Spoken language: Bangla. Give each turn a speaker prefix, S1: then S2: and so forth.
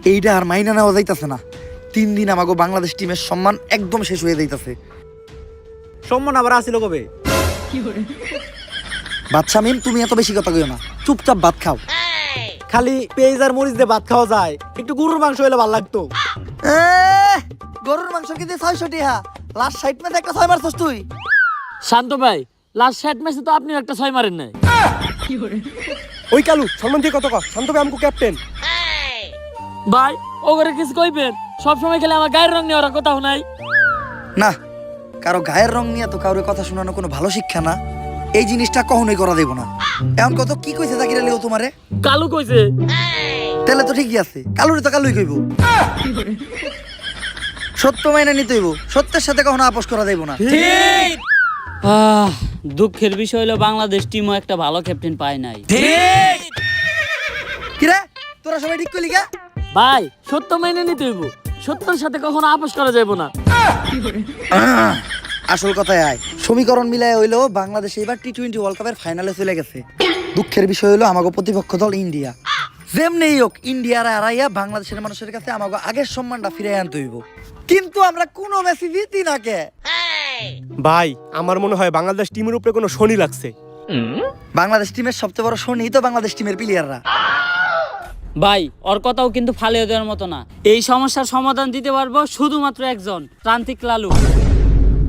S1: এইটা আর মাইনা নেওয়া যাইতাছে না। 3 দিন আমাকে বাংলাদেশ টিমের সম্মান একদম শেষ হয়ে যাইতাছে।
S2: সম্মান আবার আসিল কবে?
S1: বাচ্চা মিম, তুমি এত বেশি কথা কইও না, চুপচাপ ভাত খাও।
S2: খালি পেঁয়াজ আর মরিচ দিয়ে ভাত খাওয়া যায়, একটু গরুর মাংস হলে ভালো লাগতো।
S1: গরুর মাংস কিন্তু 600 টাকা, লাস্ট 60 ম্যাচে একটা 6 মারছস তুই।
S3: শান্ত ভাই, লাস্ট 60 ম্যাচে তো আপনি একটা 6 মারেন নাই।
S2: ওই কালু সম্মান দিয়ে কত কর, শান্ত ভাই আমকো ক্যাপ্টেন।
S3: ভাই ওগরে কিছু কইবেন, সব সময় খেলে আমার গায়ের রং নিয়ে ওরা কোথাও নাই।
S1: না, কারো গায়ের রং নিয়ে তো কারোর কথা শোনানো কোনো ভালো শিক্ষা না। এই জিনিসটা কখনোই করা দেব না। এখন কত কি কইছে জাকির আলী ও তোমারে?
S3: কালু কইছে।
S1: তাহলে তো ঠিকই আছে, কালুরে তো কালুই কইব। সত্য মাইনা নিতে হইব, সত্যের সাথে কখনো আপোষ করা দেব না।
S3: ঠিক। দুঃখের বিষয় হলো বাংলাদেশ টিমও একটা ভালো ক্যাপ্টেন পায় নাই।
S1: কিরে তোরা সবাই ঠিক কইলি কা?
S3: ভাই সত্য মেনে নিতে হইব, সত্যের সাথে কখনো আপোষ করা যাবে না।
S1: আসল কথায় আয়, সমীকরণ মিলায় হইলো বাংলাদেশ এবার টি-20 ওয়ার্ল্ড কাপের ফাইনালে চলে গেছে। দুঃখের বিষয় হলো আমাগো প্রতিপক্ষ দল ইন্ডিয়া। যেমনি হোক ইন্ডিয়ার হারাইয়া বাংলাদেশের মানুষের কাছে আমাগো আগের সম্মানটা ফিরে আনতে হইব। কিন্তু আমরা কোনো ম্যাচই জিতি না কে?
S2: ভাই আমার মনে হয় বাংলাদেশ টিমের উপরে কোনো শনি লাগছে।
S1: বাংলাদেশ টিমের সবচেয়ে বড় শনি তো বাংলাদেশ টিমের প্লেয়াররা।
S3: ভাই ওর কথাও কিন্তু ফালিয়ে দেওয়ার মতো না। এই সমস্যার সমাধান দিতে পারবো শুধুমাত্র একজন, প্রান্তিক লালু।